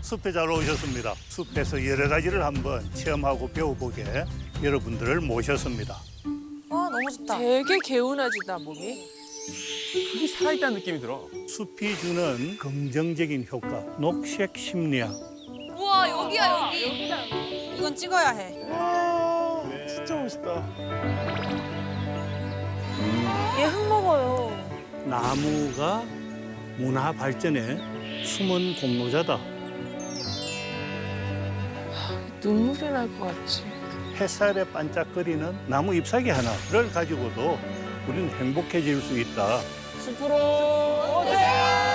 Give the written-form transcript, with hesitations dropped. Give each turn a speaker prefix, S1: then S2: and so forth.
S1: 숲에 잘 오셨습니다. 숲에서 여러 가지를 한번 체험하고 배워보게 여러분들을 모셨습니다.
S2: 와 너무 좋다.
S3: 되게 개운하지다 몸이.
S4: 흙이 살아있다는 느낌이 들어.
S1: 숲이 주는 긍정적인 효과, 녹색 심리학.
S5: 우와 여기야 여기.
S2: 이건 찍어야 해.
S4: 와, 진짜 멋있다.
S3: 얘 흙 먹어요.
S1: 나무가 문화 발전의 숨은 공로자다.
S3: 눈물이 날 것 같지.
S1: 햇살에 반짝거리는 나무 잎사귀 하나를 가지고도 우리는 행복해질 수 있다.
S4: 숲으로 오세요!